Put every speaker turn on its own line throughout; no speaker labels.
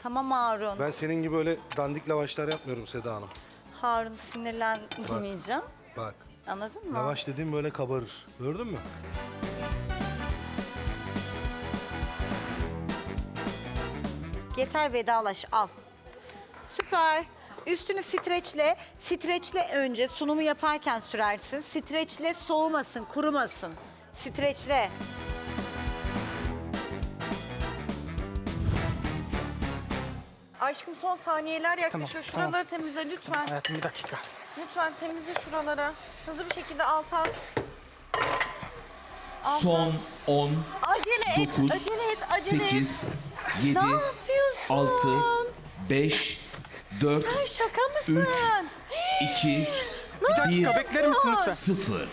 Tamam Harun.
Ben senin gibi öyle dandik lavaşlar yapmıyorum Seda Hanım.
Harun sinirlenmeyeceğim.
Bak,
Anladın mı?
lavaş dediğim böyle kabarır. Gördün mü?
Yeter vedalaş al. Süper. Üstünü streçle. Streçle önce sunumu yaparken sürersin. Streçle soğumasın, kurumasın. Streçle.
Aşkım son saniyeler yaklaşıyor.
Tamam,
Şuraları temizle lütfen.
Hayatım bir dakika.
Lütfen temizle şuraları. Hızlı bir şekilde alta at.
Son 10,
Acele et,
9,
acele et, acele et.
8, 7,
Ne yapıyorsun?
6, 5, 4,
Sen şaka mısın?
2,
Bir dakika
1,
bekler misin lütfen?
0.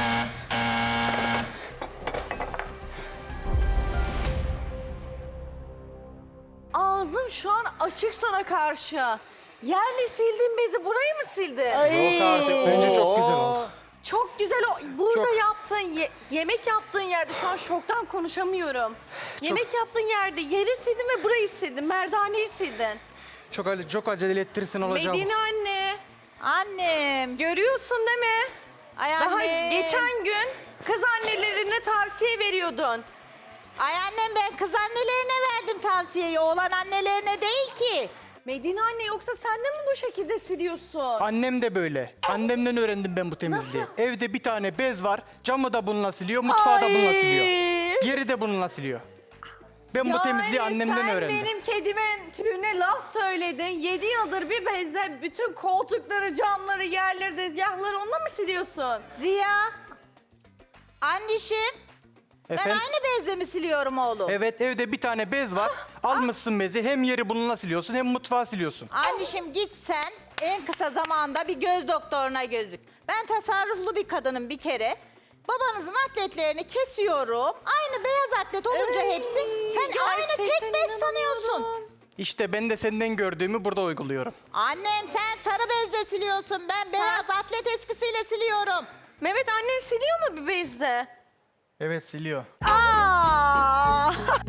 Ağzım şu an açık sana karşı. Yerle sildiğin bezi burayı mı sildin?
Yok artık. Bence çok güzel oldu.
Çok güzel burada
Çok.
yaptığın yemek yaptığın yerde şu an şoktan konuşamıyorum. Yemek yaptığın yerde yeri sildin ve burayı sildin. Merdaneyi sildin.
Çok acele ettirirsin olacağım.
Medine anne.
Annem.
Görüyorsun değil mi?
Ay
Daha
annem.
geçen gün kız annelerine tavsiye veriyordun.
Ay annem ben kız annelerine verdim tavsiyeyi. Oğlan annelerine değil ki.
Medine anne yoksa sen de mi bu şekilde siliyorsun?
Annem de böyle. Annemden öğrendim ben bu temizliği.
Nasıl?
Evde bir tane bez var. Camı da bununla siliyor, mutfağı da bununla siliyor. Yeri de bununla siliyor. Ben bu temizliği annemden öğrendim.
Sen benim kedimin tüyüne laf söyledin. 7 yıldır bir bezle bütün koltukları, camları, yerleri, tezgahları onunla mı siliyorsun?
Ziya. Annişim. Ben
Efendim?
aynı bezle mi siliyorum oğlum?
Evet, evde bir tane bez var. Almışsın bezi, hem yeri bununla siliyorsun hem mutfağı siliyorsun.
Annişim git sen en kısa zamanda bir göz doktoruna gözük. Ben tasarruflu bir kadınım bir kere. Babanızın atletlerini kesiyorum. Aynı beyaz atlet olunca hepsi. Sen aynı tek
gerçekten
bez sanıyorsun.
inanamıyorum.
İşte ben de senden gördüğümü burada uyguluyorum.
Annem sen sarı bezle siliyorsun. Ben beyaz atlet eskisiyle siliyorum.
Mehmet annen siliyor mu bir bezle?
Evet, siliyor.
Aa!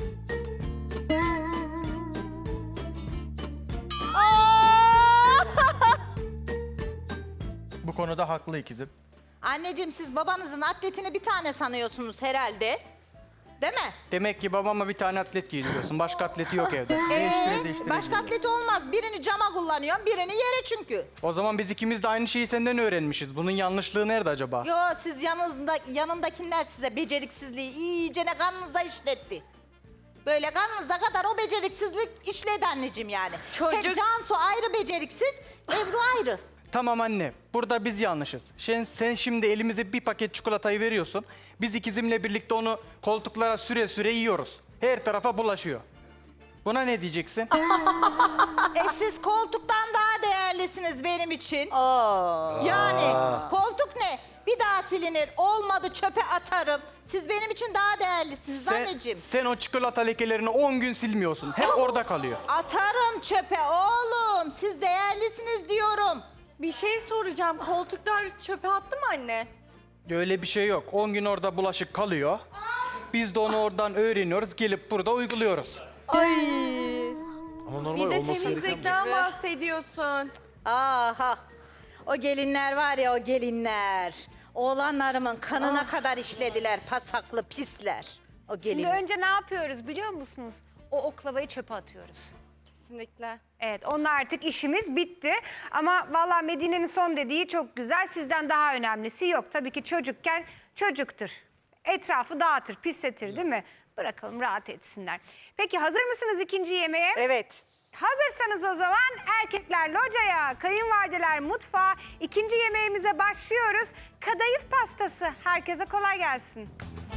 Bu konuda haklı ikizim.
Anneciğim siz babanızın atletini bir tane sanıyorsunuz herhalde. Değil mi?
Demek ki babama bir tane atlet giydiriyorsun. Başka atleti yok evde. Değiştire değiştire
Başka
giyiyor.
atleti olmaz. Birini cama kullanıyorum, birini yere çünkü.
O zaman biz ikimiz de aynı şeyi senden öğrenmişiz. Bunun yanlışlığı nerede acaba?
Yo siz yanındakiler size beceriksizliği iyicene kanınıza işletti. Böyle kanınıza kadar o beceriksizlik işledi anneciğim yani. Sen
Çocuk-
Cansu ayrı beceriksiz, Ebru ayrı.
Tamam anne, burada biz yanlışız. Sen şimdi elimize bir paket çikolatayı veriyorsun. Biz ikizimle birlikte onu koltuklara süre süre yiyoruz. Her tarafa bulaşıyor. Buna ne diyeceksin?
Siz koltuktan daha değerlisiniz benim için. Yani koltuk ne? Bir daha silinir, olmadı çöpe atarım. Siz benim için daha değerlisiniz anneciğim.
Sen o çikolata lekelerini 10 gün silmiyorsun. Hep orada kalıyor.
Atarım çöpe oğlum. Siz değerlisiniz diyorum.
Bir şey soracağım. Koltuklar çöpe attı mı anne?
Öyle bir şey yok. 10 gün orada bulaşık kalıyor. Biz de onu oradan öğreniyoruz, gelip burada uyguluyoruz.
Ama
Bir
normal
de
olması gereken
temizlikten bahsediyorsun.
Aha. O gelinler var ya o gelinler. Oğlanlarımın kanına kadar işlediler pasaklı pisler. O
Şimdi
gelinler.
önce ne yapıyoruz biliyor musunuz? O oklavayı çöpe atıyoruz.
Kesinlikle.
Evet, onunla artık işimiz bitti. Ama vallahi Medine'nin son dediği çok güzel. Sizden daha önemlisi yok. Tabii ki çocukken çocuktur. Etrafı dağıtır, pisletir değil mi? Bırakalım rahat etsinler. Peki hazır mısınız ikinci yemeğe?
Evet.
Hazırsanız o zaman erkekler locaya, kayınvalideler mutfağa. İkinci yemeğimize başlıyoruz. Kadayıf pastası. Herkese kolay gelsin.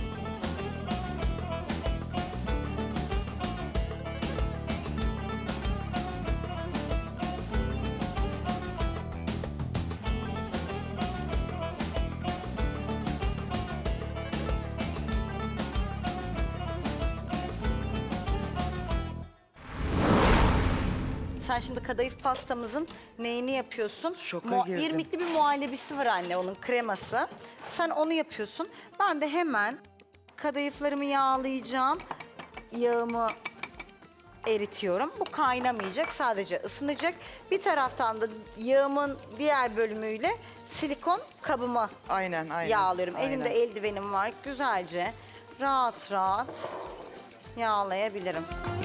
Sen şimdi kadayıf pastamızın neyini yapıyorsun?
Şoka girdim.
İrmikli bir muhallebisi var anne onun kreması. Sen onu yapıyorsun. Ben de hemen kadayıflarımı yağlayacağım. Yağımı
eritiyorum. Bu kaynamayacak, sadece ısınacak. Bir taraftan da yağımın diğer bölümüyle silikon kabımı
Aynen, aynen.
yağlıyorum.
aynen.
Elimde eldivenim var. Güzelce rahat rahat yağlayabilirim.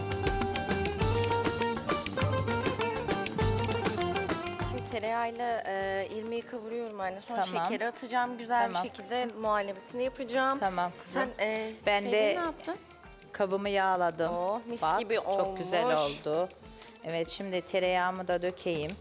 Şimdi tereyağıyla irmiği kavuruyorum anne. Sonra
Tamam.
şekeri atacağım. Güzel
Tamam
bir şekilde muhallebisini yapacağım.
Tamam kızım.
Sen
Ben
şeyleri
de
ne yaptın?
kabımı yağladım.
Oh, mis
Bak,
gibi
çok güzel
olmuş.
oldu. Evet, şimdi tereyağımı da dökeyim.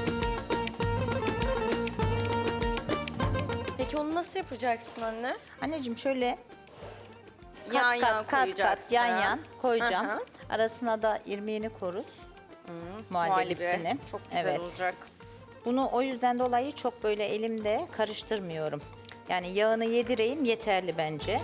Peki onu nasıl yapacaksın anne?
Anneciğim şöyle
Yan yan
kat
koyacaksın.
yan yan koyacağım.
Hı hı.
Arasına da irmiğini koruz. Muhallebisini.
Muhallebi. Çok güzel
Evet.
olacak.
Bunu o yüzden dolayı çok böyle elimde karıştırmıyorum. Yani yağını yedireyim yeterli bence.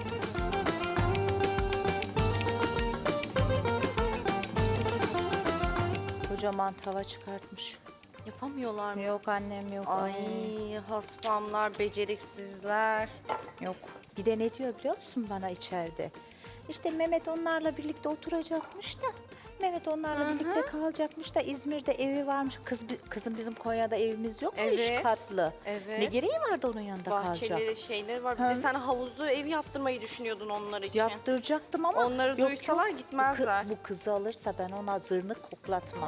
Kocaman tava çıkartmış.
Yapamıyorlar mı?
Yok annem yok.
Ay haspamlar, beceriksizler.
Yok. Bir de ne diyor biliyor musun bana içeride? İşte Mehmet onlarla birlikte oturacakmış da. Mehmet onlarla birlikte kalacakmış da İzmir'de evi varmış. Kızım bizim Konya'da evimiz yok mu?
Evet.
3 katlı.
Evet.
Ne gereği vardı onun yanında kalacak?
Bahçeleri, şeyleri var. Bir de sen havuzlu ev yaptırmayı düşünüyordun onlar için.
Yaptıracaktım ama
Onları duysalar gitmezler.
Bu kızı alırsa ben ona zırnık koklatmam.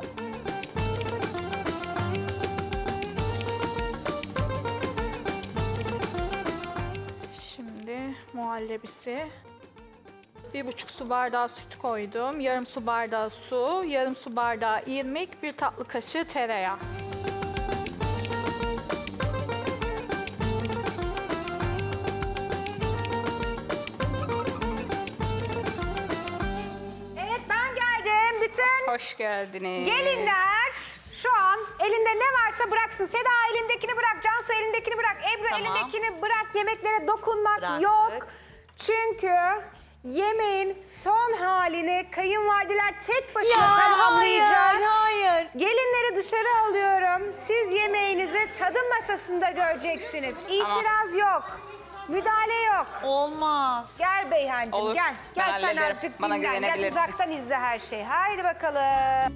Şimdi muhallebisi. 1,5 su bardağı süt koydum. Yarım su bardağı su, yarım su bardağı irmik, 1 tatlı kaşığı tereyağı.
Evet ben geldim. Bütün
Hoş geldiniz.
gelinler şu an elinde ne varsa bıraksın. Seda elindekini bırak, Cansu elindekini bırak, Ebru
Tamam.
elindekini bırak. Yemeklere dokunmak
Bıraktık.
yok. Çünkü yemeğin son halini kayınvalideler tek başına tamamlayacak.
hayır.
Gelinleri dışarı alıyorum. Siz yemeğinizi tadım masasında göreceksiniz. İtiraz yok. Müdahale yok.
Olmaz.
Gel Beyhancığım
Olur,
gel.
ben
Gel sen
hallederim.
azıcık
Bana
dinlen. Gel
güvenebilirsiniz.
uzaktan izle her şeyi. Haydi bakalım.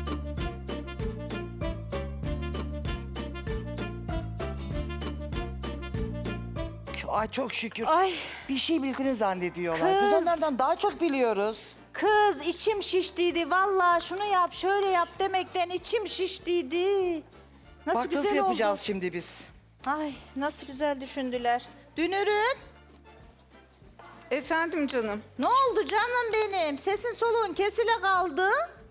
Ay çok şükür.
Ay
Bir şey bildiğini zannediyorlar. Biz
Kız.
onlardan daha çok biliyoruz.
kız içim şiştiydi. Vallahi şunu yap şöyle yap demekten içim şiştiydi. Nasıl
Bak
güzel
nasıl yapacağız
oldu.
şimdi biz.
Ay nasıl güzel düşündüler. Dünürüm.
Efendim canım.
Ne oldu canım benim? Sesin soluğun kesile kaldı.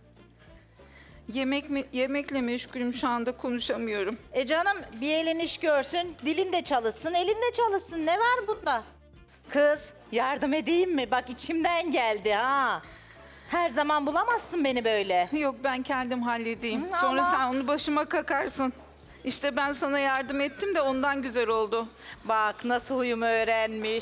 Yemekle meşgulüm şu anda konuşamıyorum.
Canım bir elin iş görsün, dilin de çalışsın, elin de çalışsın. Ne var bunda? Kız yardım edeyim mi? Bak içimden geldi ha. Her zaman bulamazsın beni böyle.
Yok ben kendim halledeyim.
Hı,
Sonra
ama-
sen onu başıma kakarsın. İşte ben sana yardım ettim de ondan güzel oldu.
Bak nasıl huyumu öğrenmiş.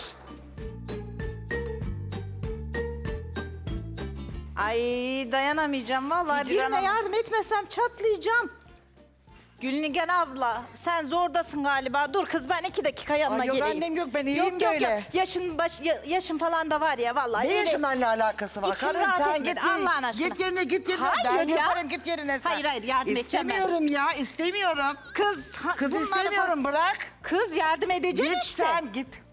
Ay dayanamayacağım vallahi.
Hicran
Birine
Hanım.
yardım etmesem çatlayacağım. Gülnigen abla sen zordasın galiba. Dur kız ben 2 dakika yanına
Ay yok
geleyim.
annem yok, ben iyiyim böyle.
Yaşın falan da var ya vallahi.
Ne
öyle-
yaşınlarla alakası var?
İçim
Karım
rahat
sen
etmedi,
git,
Allah'ın aşkına.
git yerine git yerine.
Hayır
Ben
ya.
yaparım git yerine sen.
Hayır, hayır, yardım edeceğim ben.
İstemiyorum ya istemiyorum.
Kız,
Kız
bunları
istemiyorum bırak.
Kız yardım edecek
Git
işte.
sen git.